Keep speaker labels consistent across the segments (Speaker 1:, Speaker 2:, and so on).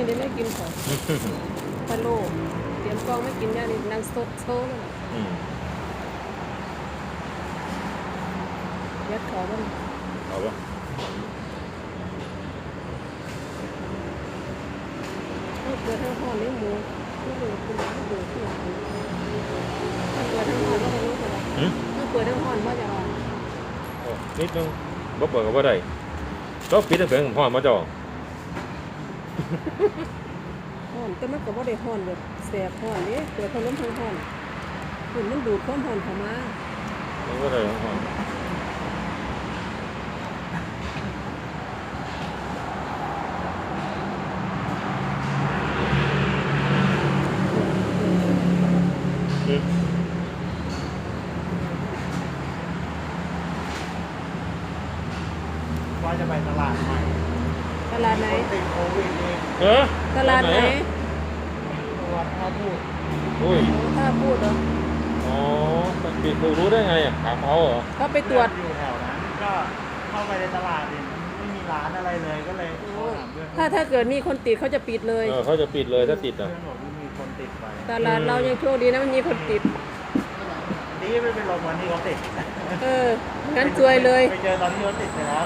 Speaker 1: ได้ไม่กินของพะโล้เตรียมกองไม่กินย่านี่นางสดโซ่เลยยัดขอบ้าง
Speaker 2: เอาปะ
Speaker 1: ทั้งเกลือทั้งห่อนเนื้อหมูทั้งเกลือคุณทั้งเกลือที่หลังทั้งเกลือทั้งห่อนก็ไม่รู้กันทั้งเกลือทั้งห่อนว่าจะว่า
Speaker 2: นิดนึงบ่เปิดก็บ่ได้ก็ปิดตั้งแต่ผมพ่อมาจ่อ
Speaker 1: ห่อนแต่มันก็บ่ได้ห่อนแบบแสบห่อนนี่เกลือพัดลมทั้งห่อนฝุ่นมันดูดความห่อนเข้ามา
Speaker 2: มันก็ได้ของพ่อ
Speaker 3: ว่าจะไปตลาดใหม่
Speaker 1: ตลาดไหน
Speaker 3: ติดโควิดเอง
Speaker 1: ตลาดไหน
Speaker 3: วัดท่าพูด
Speaker 2: อุ้ย
Speaker 1: ถ้าพูดเหรอ
Speaker 2: อ๋อปิดดูรู้ได้ไงอ่ะถามเขาเหรอ
Speaker 1: เขาไปตรวจ
Speaker 3: อยู่แถวนั้นก็เข้าไปในตลาดเนี่ยไม่มีร้านอะไรเลยก็เลยโทรถามเพื่อน
Speaker 1: ถ้าเกิดมีคนติดเขาจะปิดเลย
Speaker 2: เขาจะปิดเลยถ้าติดอ่ะ
Speaker 3: เพื่อนบอกว่ามีคนติดไป
Speaker 1: ตลาดเรายังโชคดีนะมันมีคนติด
Speaker 3: นี่ไม่เป็นลมวันที่เขาติด
Speaker 1: งั้นซวยเลย
Speaker 3: ไปเจอตอนที่เขาติดไปแล้ว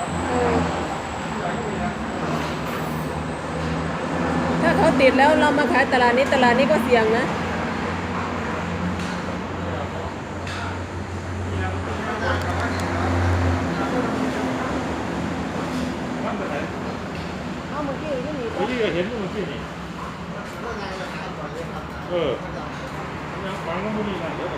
Speaker 1: ถ้าเขาติดแล้วเรามาขายตลาดนี้ก็เสี่ยงนะเอาเมื่อกี้ยังมี
Speaker 2: เมื่อกี้เห็นเมื่อกี้นี่ยังฟังก็ไม่มีอะไรเดี๋ยว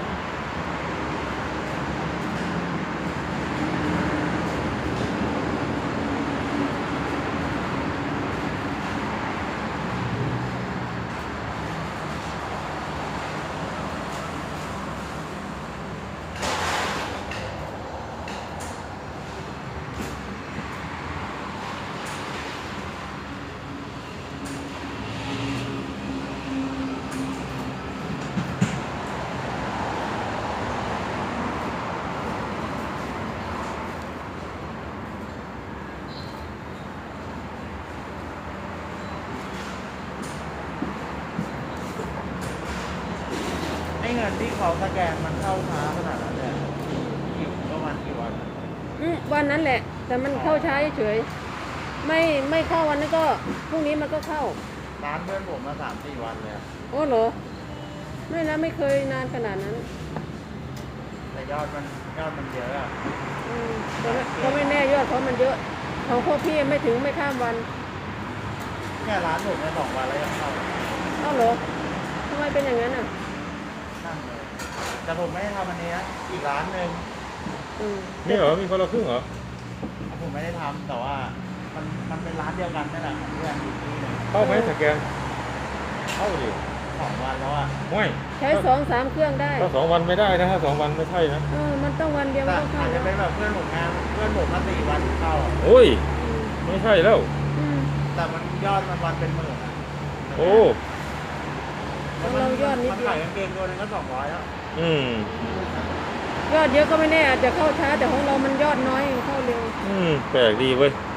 Speaker 3: ไอ้เงินที่เขาสแกนมันเข้าช้าขนาดนั้นเลยกี่ประมาณกี่วัน
Speaker 1: วันนั้นแหละ แต่มันเข้าช้าเฉยๆไม่เข้าวันนั้นก็พรุ่งนี้มันก็เข้า
Speaker 3: ร้านเพื่อนผมมา3-4 วันเลย
Speaker 1: โอ้เหรอไม่นะไม่เคยนานขนาดนั้น
Speaker 3: แต่ยอดมันเยอะอะ
Speaker 1: ก็ไม่แน่ยอดเขามันเยอะของพวกพี่ไม่ข้ามวัน
Speaker 3: เนี่ยร้านผมใน2 วันแล้วยังเข้า
Speaker 1: เอ้าเหรอทำไมเป็นอย่างนั้นอ่ะ
Speaker 3: นั่งเลยแต่ผมไม่ได้ทำอันนี้นะอีกร้านหนึ่ง
Speaker 2: นี่เหรอมีคนละครึ่งเหรอ
Speaker 3: ผมไม่ได้ทำแต่ว่ามันเป็นร้านเดียวกันนั่นแหละของเพื่อนอยู่ที่หนึง
Speaker 2: เข้าไหมสแกนเข้าดิ
Speaker 3: 2 วันแล้วอ่ะ
Speaker 2: ไม่
Speaker 1: ใช้2-3 เครื่องได้
Speaker 2: ถ้า2 วันไม่ได้นะถ้า2 วันไม่ใช่นะ
Speaker 1: มันต้องวันเดียว
Speaker 3: แต่
Speaker 1: ก็เข้า
Speaker 3: อาจจะ
Speaker 1: แล้ว
Speaker 3: เป็นแบบเพื่อนผมงานเพื่อนผมมา4 วันเข้าอะ
Speaker 2: โอ้ยไม่ใช่แล้ว
Speaker 3: แต่มันยอดมันวันเป็นหมื่นอ่ะ
Speaker 2: โอ้
Speaker 1: ของเรายอดนิด
Speaker 3: มัน
Speaker 1: เดีย
Speaker 3: ขายว กางเกงตัวหนึงก็200แล้ว
Speaker 1: ยอดเยอะก็ไม่แน่อาจจะเข้าช้าแต่ของเรามันยอดน้อยเข้าเร็ว
Speaker 2: แปลกดีเว้ย
Speaker 1: อ